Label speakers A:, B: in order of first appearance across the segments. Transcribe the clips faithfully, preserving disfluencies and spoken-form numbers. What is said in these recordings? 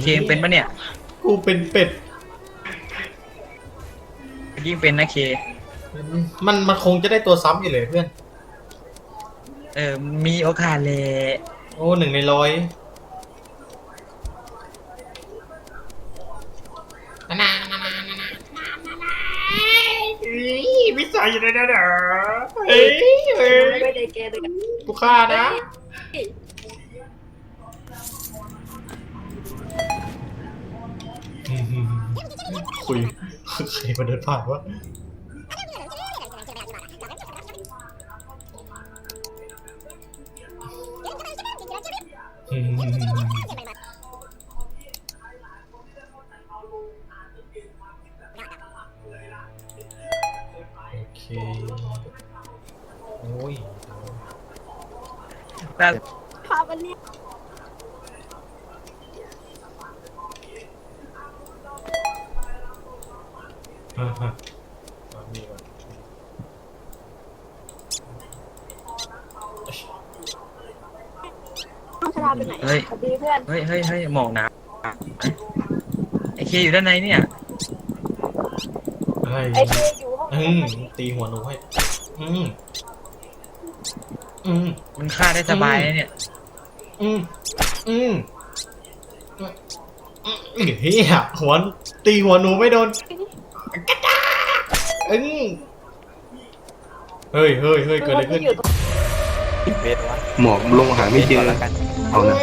A: เคมเป็นปะเนี่ย
B: กูเป็นเป็ด
A: ยิ่งเป็นนะเค
B: มันมันคงจะได้ตัวซ้ำอยู่เลยเพื่อน
A: เออมีโอกาสเลย
B: โอ้หนึ่งในร้อยนานานานานานาวิสัยอยู่ในนั้นเหรอเฮ้ยเฮ้ย
C: ไม่ได้แกเลยกัน
B: กูฆ่านะคุยใครมาเดินผ่านวะโอเคโอ้ย
A: แต่
C: พาวันนี้
B: ฮ่าฮ่ามีก่อน
C: ชลาไปไหน
A: เฮ้ย
C: สวัสดีเพื่อน
A: เฮ้ยเฮ้ยเฮ้ยหมอกน้ำไอเคอยู่ด้านในเนี่ย
B: ไอ้
C: ไอ้เคอยู่ห้อง
B: อืมตีหัวหนูให้อืมอืม
A: มันฆ่าได้สบายเนี่ย
B: อืมอืมเฮียหัวตีหัวหนูไม่โดนกระจ้าอืมเฮ้ยเฮ้ยเฮ้ยเกิดอะไรขึ้น
D: หมอกลงหาไม่เจอเอานะ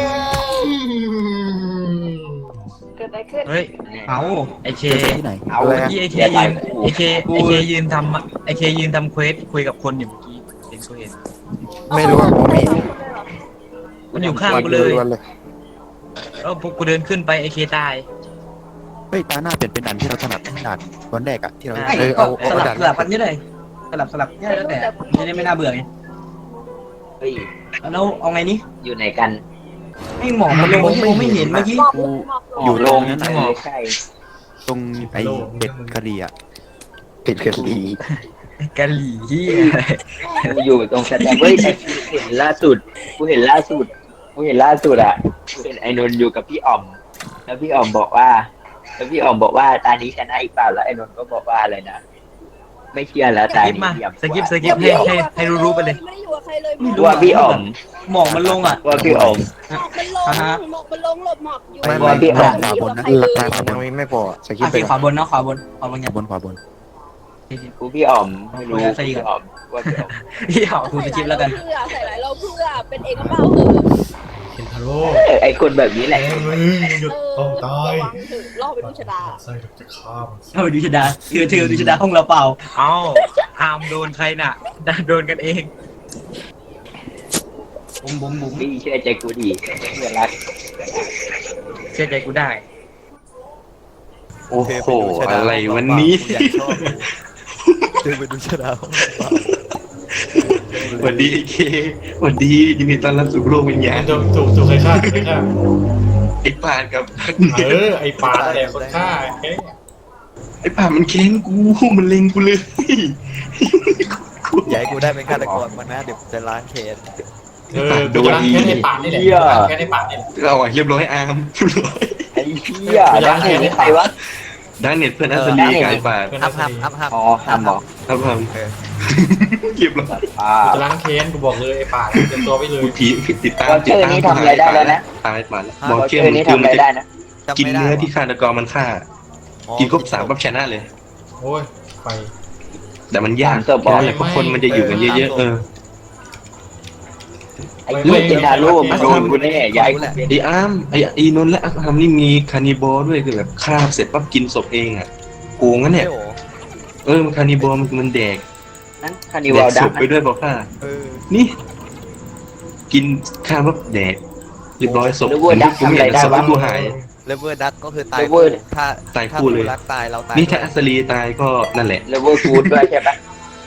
C: เกิดอะไรขึ้น
A: เฮ้ยเอาไอเค
E: ที่ไหน
A: เอาเมื่อกี้ไอเคยืนไอเคไอเคยืนทำไอเคยืนทำเควสคุยกับคนอยู่เมื่อกี้เห็นกูเห็น
E: ไม่รู้ว่าผมไม่เห็น
A: มันอยู่ข้างกูเลยเออพวกกูเดินขึ้นไปไอเคตาย
E: เฮ้ยตาหน้าเปลี่ยนเป็นดันที่เราถนัดด่านวันแรกอะที่เรา
F: เออเอาสลับสลับกันนี่เลยสลับสลับเนี่ยแล้วแต่จะได้ไม่น่าเบื่อไง
D: เฮ้ย
F: แล้วเอาไงนี่
D: อยู่ไหนกัน
F: ไม่หมอกมันลงที่ผมไม่เห็นเมื่อกี้
E: กูอยู่ตรงนั้นไหนตรงไอ้เป็ดกะหรี่อะเป็ดกะหรี่
A: กะหลี่ที่
D: กูอยู่ตรงสแตนเฮ้ยกูเห็นล่าสุดกูเห็นล่าสุดกูเห็นล่าสุดอ่ะกูเห็นไอ้นนท์อยู่กับพี่อ๋อมแล้วพี่อ๋อมบอกว่าแล้วพี่อ๋อมบอกว่าตานี้ชนะอีกเปล่าแล้วไอ้นนท์ก็บอกว่าอะไรนะไม่เชื่อแล้วตานี้
A: สกิปสกิปให้ให้ให้รู้ๆไปเลย
C: ไม่ได้อยู่กับใครเลย
D: ว่าพี่อ๋อม
F: หมอกมันลงอ่ะ
D: ว่าพี่อ๋อม
C: หมอกมันลงหมอกมันลงหลบหมอกอยู่
E: ไม่ไม่พี่อ๋อมขวาบนนะหลักการขวาบนไม่พอสกิปไป
F: ขวาบนนะขวาบนขวาบน
E: ขวาบนขวาบน
D: กูพี่อ๋อมไม่รู้พี่อ๋อมว่าพี่อ๋อม
A: พี่อ๋อม
F: กูสกิปแล้วกัน
C: เพื่อใส่หลายเราเพื่อเป็นเอกเป้าเหอะ
B: เห็นทาโร่
D: ไอ้คนแบบนี้แหละ
B: มึงหยุดต้องตาย
C: ล่อไปดูชะดา
B: ใส่จะฆ่ามัน
F: เอาไปดูชะดาเถือเถือดูชะดาห้องเราเปล่า
A: เอ้าอามโดนใครน่ะโดนกันเอง
F: บุ๋มบุ๋มบุ๋ม
D: พี่เชื่อใจกูดีเพื่อนรัก
A: เชื่อใจกูได้
D: โอ้โหอะไรวันนี้
E: เดินไปดูชะดา
D: สวัสดีไอเคสวัสดียินดีต้อนรับสู่โลกวิญญาณ
B: ถูกถูกถูกใครฆ่าถูกใครฆ่า
D: ไอ้ปานกับ
B: เออไอ้ปานอะไรคนฆ่า
D: ไอ้ปานมันเค้นกูมันเล็งกูเลย
E: อย่าให้กูได้เป็นฆาตกรมันนะเดี๋ยวจะล้างเคน
B: เออโดนแค่ในปานนี่แหละแค่ในปานนี่
D: เราอ่ะเรียบร้อยอาร์มไอ้เหี้ยดังเน็ตนี่ใครวะดังเน็ตเพื่อนอัศรีกายปาน
E: อัพอัพอัพอัพ
D: อ๋ออัพหรออัพอัพเก็บแล้ว
B: จะล้างเคนกูบอกเลยไอ้ปานเตรียมตัวไปเลย
D: ผีติดตามติดตามนี่ทำอะไรได้แล้วนะตายปานบอกเชื่อนี่ทำอะไรได้นะกินเนื้อที่ฆาตกรมันฆ่ากินครบสามปั๊บชนะเลย
B: โอ้ยไป
D: แต่มันยากเพราะคนมันจะอยู่กันเยอะๆเออไอ้ลูกกินดาลูกโดนกูแน่ยายไอ้อ้ามไอ้อีนนท์และอ้ามนี่มีคานิบอลด้วยคือแบบฆ่าเสร็จปั๊บกินศพเองอ่ะโกงงั้นเนี่ยเออมันคานิบอลมันเด็กนั่นคานิบอลดักไปด้วยบอกว่านี่กินข้าวปั๊บแดกเรียบร้อยศพกูไม่อยากศพกูหาย
E: เลเวอร์ดักก็คือตายถ้า
D: ตายคู่เลย
E: รักตายเราตาย
D: นี่ถ้าอัศรีตายก็นั่นแหละ
G: เลเวอร์กูดด้วยใช่ปะ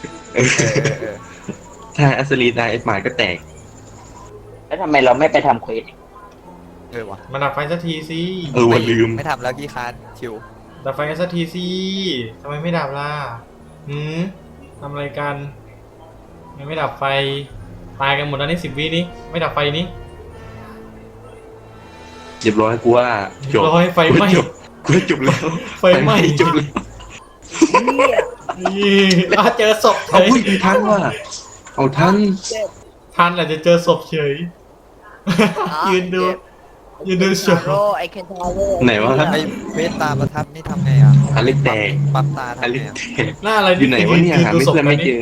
D: ถ้าอัศรีตายไอ้หมาก็แตก
G: แล้วทำไมเราไม่ไปทำเควส
E: เออวะ
B: มาดับไฟสักทีสิ
D: เออวันลืม
E: ไม่ทำแล้วกี่คานชิว
B: ดับไฟสักทีสิทำไมไม่ดับล่ะหืมทำอะไรกันยังไม่ดับไฟตายกันหมดแล้วนี่สิบวินี้ไม่ดับไฟนี้
D: เรียบร้อยกูว่าจบ
B: ร้อยไฟไหม้
D: กูจบกูจบแล้ว
B: ไฟไหม้
D: จบแล้ว
C: เนี่ย
B: นี่อ่ะเจอศพเฉ
D: เอา
B: ย
D: อุ้ยทันว่ะเอาทัน
B: ทันอาจจะเจอศพเฉย ยืนดูยืนดูโชว์
C: โรไอเคนทาวเวอร์
D: ไหนวะ
E: ไอ้เวทตาประทับนี่ทำไงอ่ะ
D: อเล็กแดง
E: ปั๊มตา
D: อ
E: ทำ
D: เล็
E: ไง
D: ก
E: อะ
D: แดง
B: หน้าอะไร
D: อยู่ไหนวะเนี่ยหาไม่เพื่อนไม่เจอ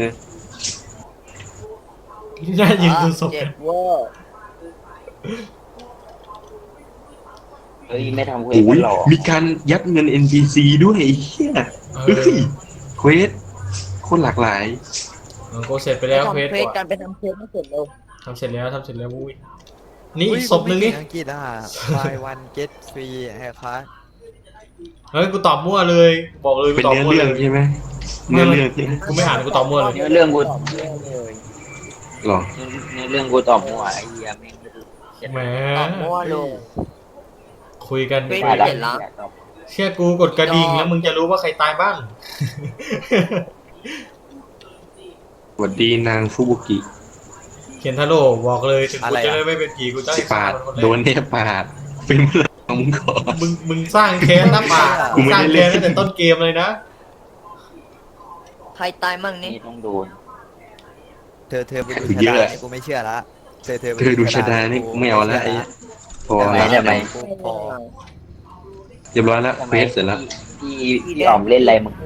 B: หน้ายืนดูศพ
C: เจ็
B: กัน
C: บเวอร์
G: เฮ้ยไม่ทำเควส
D: โอ้
G: กั
D: ย
G: นหรอ
D: มีการยัดเงิน เอ็น พี ซี ด้วยไอ้เหี้ย
B: เอ
D: เฮ้
B: อย
D: เควสโคตรหลากหลาย
B: โกเสร็จไปแล้วเควส
C: ทำเควสกันไปทำเควสไม่เสร็จเร็ว
B: ทำเสร็จแล้วทำเสร็จแล้วอุ้ยนี่
E: อุ้ย
B: ศพหนึงนี่
E: ผมไม่เก่อังกฤษอ่ะ buy one get free แฮร์คัส
B: เฮ้ยกูตอบมั่วเลย บอกเลยกู
D: เป็น
B: ตอบ
D: เนื้อ
B: มั่ว
D: เรื่อง
B: เลย
D: ใช่ไหมเนื้อเรื่องใช่ไหม
B: กูไม่อ่านกูตอบมั่วเลย
G: เนื้อเรื่องกู
D: หรอ
G: เนื้อเรื่องกูตอบมั่วไอ้เหี้ยแม่งไม่รู้
B: แหม
C: ตอบมั่วเลย
B: คุยกัน
C: ไม่
G: ว่า
C: ได้
G: ได้
C: เห็นละ
B: เชื่อกูกดกระดิ่งแล้วมึงจะรู้ว่าใครตายบ้าง
D: สวัสดีนางฟุบุกิ
B: เขียนทาโร่บอกเลยถึง
E: อะ
B: กู
E: ไร
B: จะ
E: อะ
B: ได้ไม่เป็นผีกูจะให้
D: ปา
B: ฆ่า
D: ด
B: มันคนแร
D: โดน
B: ก
D: เนี่ยปาดเป็นเมื่อของมึงก่อน
B: มึงมึงสร้างแค้นนะป่า
D: กูไม่
B: สร้าง
D: ได้เล่
B: แค้
D: น
B: นตั้งแต่ต้นเกมเลยนะ
C: ใครตายมั่งนี่
G: นี่ต้องโดน
E: เธอเธอไปดู
D: คือ
E: ชะ
D: เย
E: ดา
D: อะ
E: นี่กูไม่เชื่อละเธอเธอไป
D: เธอดูชะดานี่ไม่เอาละไอ้พอ
G: ทำไม
D: แล้ว
G: ทำไม
E: กูพอ
D: เรียบร้อยแล้ว
G: ทำ
D: เฟ
G: ไม
D: สเสร็จแล้ว
G: พี่พี่อ๋อมเล่นอะไรมึง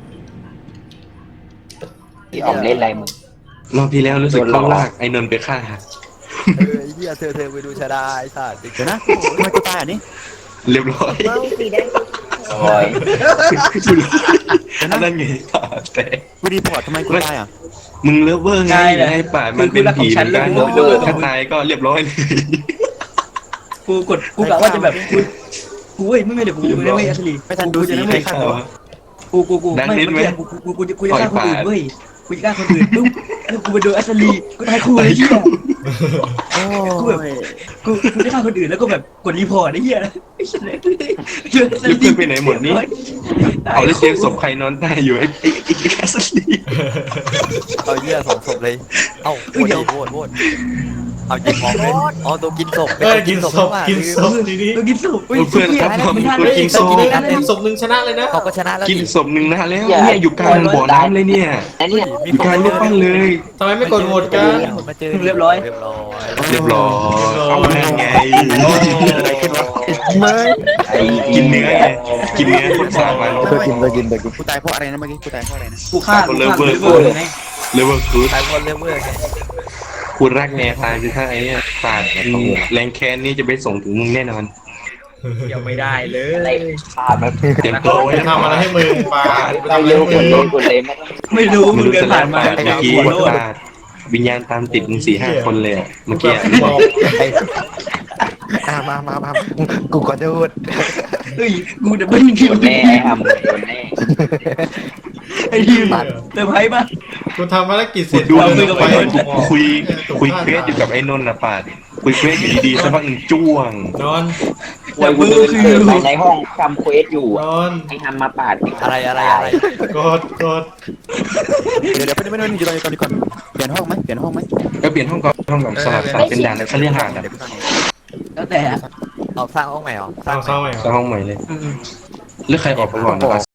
G: พี่อ๋อมเล่นอะไรมึง
D: รอบที่แล้วรู้สึก
G: โดนหลอก
D: เขาลากไอ้นนท์ไปฆ่า
E: เออไอ้เหี้ยเธอเธอไปดูชะดาไอ้สัตว์เดี๋ยวนะทำไมกูตายอ่ะนี่
D: เรียบร้อย
C: เมาสีแดง
G: โอ้ย
D: อันนั้นไงป่าแต่
E: กูดีพอร์ตทำไมกูตายอ่ะ
D: มึงเลิฟเวอร์ไงไอ้ป่ามันเป็นผีเหมือนกันถ้าตายก็เรียบร้อยเลย
F: กูกดกูกะว่าจะแบบกูกูเว้ยไม่ไม่เดี๋ยวกูไม่ไม่อัศรี
E: ไม่ทันดู
F: กู
E: สี
F: จะ
E: ไม่
F: ไม่
E: ทัน
F: ฆ่า
E: ดู
F: กูกูกู
D: ดัง
F: ไม่
D: นิดไหม
F: กูกูกูกูจะฆ่าคนอื่นเว้ยกูจะฆ่าคนอื่นปุ๊บแล้วกูไปดูอัศรีกูตายคู่เลยเหี้ย
E: โอ้
F: กูแบบ
E: ย
F: กูกูจะฆ่าคนอื่นแล้วก็แบบกดรีพอร์ตไอ้เหี้ยไอ้เฉลยเจออัศ
D: แล้ว
F: รี
D: เพื่อนไปไหนหมดนี่เอาแล้วเจมส์ศพใครนอนใต้อยู่ไอ้ไอ้ไอ้แคสซี่
E: เอาเหี้ยสองศพเลยเอ้าโหวตดิโหวตโหวตเอายิงออกเลยอ๋อตัวกินศพ
B: เออกินศพ
E: ว่ะ
B: กินศพทีนี้
F: กูกินศพ
D: เพื่อนครับผม
F: ไม่ทัน
D: กู
F: เลย
D: กินศพ
B: กินได้ศพหนึ่งชนะเลยนะ
E: เขาก็ชนะแล้ว
D: กิน
E: ดิ
D: ศพหนึ่งนะแล้วเนี่ยอยู่กลางบ่อน้ำเลยเนี่ย
G: ไอ้เนี่ย
D: อยู่กลางรูปปั้นเลย
B: ทำไมไม่กดโหวตกัน
E: มาเจอ
F: เรียบร้อย
E: เรียบร้อย
D: เรียบร้อยเอานั่นไง
E: อะไรขึ้นวะไม่
G: ไอ้
D: กินเนื้อไงกินเนื้อคนสร้างมัน
E: ก็กินก็กินก็กินกูตายเพราะอะไรนะเมื่อกี้กูตายเพราะอะไรนะ
F: กูฆ่ากูฆ่า
D: เลิฟเวอร์
F: กูฆ่าเลยไง
D: เลเวอร์คูด
E: ตายเพราะเลเวอร์ไง
D: คุณรักแนวทางคือถ้าไอ้เนี่ยปาดแรงแค้นนี่จะไปส่งถึงมึงแน่นอน
F: เดี๋ยวไม่ได้เล
G: อะไร
F: ย
G: พลาดมา
D: เตรียมตัวไว้
B: จะทำอะไรให้มึงปาไปทำอะไร
G: เร็ว
B: ให้
G: ก
B: มึ
G: ด
B: ง
G: เลยกดเลยไม่ต้อง
F: ไม่รู้
D: ไม่
F: มึง
D: รู้
F: เดิน
D: จะ
F: ผ่า
D: ผ่าน น
F: มา
D: มาเมื่อกี้
F: หัวโลด
D: ปาดวิญญาณตามติดมึงสี่ห้าคนเลยอะเมื่อกี้
B: บอก
E: อ่ะมามามากูขอโทษ
F: เฮ้ยกูจะไม่มี
G: โดนแน่ไอ้ทำโดนแน่
F: ไอ้ทีมเซอร์ไพรส์ป่ะ
B: กูทำภารกิจเสร็จ
D: ดู
B: กู
D: คุ
B: เดิ
D: ย
B: น
D: กับ
B: ไป
D: ไอ้นนท์คุยคุยเควสอยู่กับไอ้นนท์นะปาดคุยเควสอยู่ดีๆสักพักหนึ่งจ้วง
B: นอน
G: ป่วยกูเดินเดินไปในห้องทำเควสอยู่
B: นอน
G: ไอ้ทำมาปาด
E: อะไรอะไรอะไร
B: กดกด
E: เดี๋ยวเดี๋ยวไม่ไม่ไม่อยู่ตอนนี้ตอนนี้ก่อนเปลี่ยนห้องไหมเปลี่ยนห้องไหม
D: ก็เปลี่ยนห้องก่อนห้องก่อนสลับสลับเป็นด่านเขาเรียกหาดอะ
E: เดี๋ยวกูสร้าง
F: แล้วแต่
E: เอาสร้างห้องใหม่เหรอ
B: สร้าง
E: ใหม่
B: เศร้าใหม่
D: สร้างห้องใหม่เลยแล้วใครออกไปก่อนนะครับ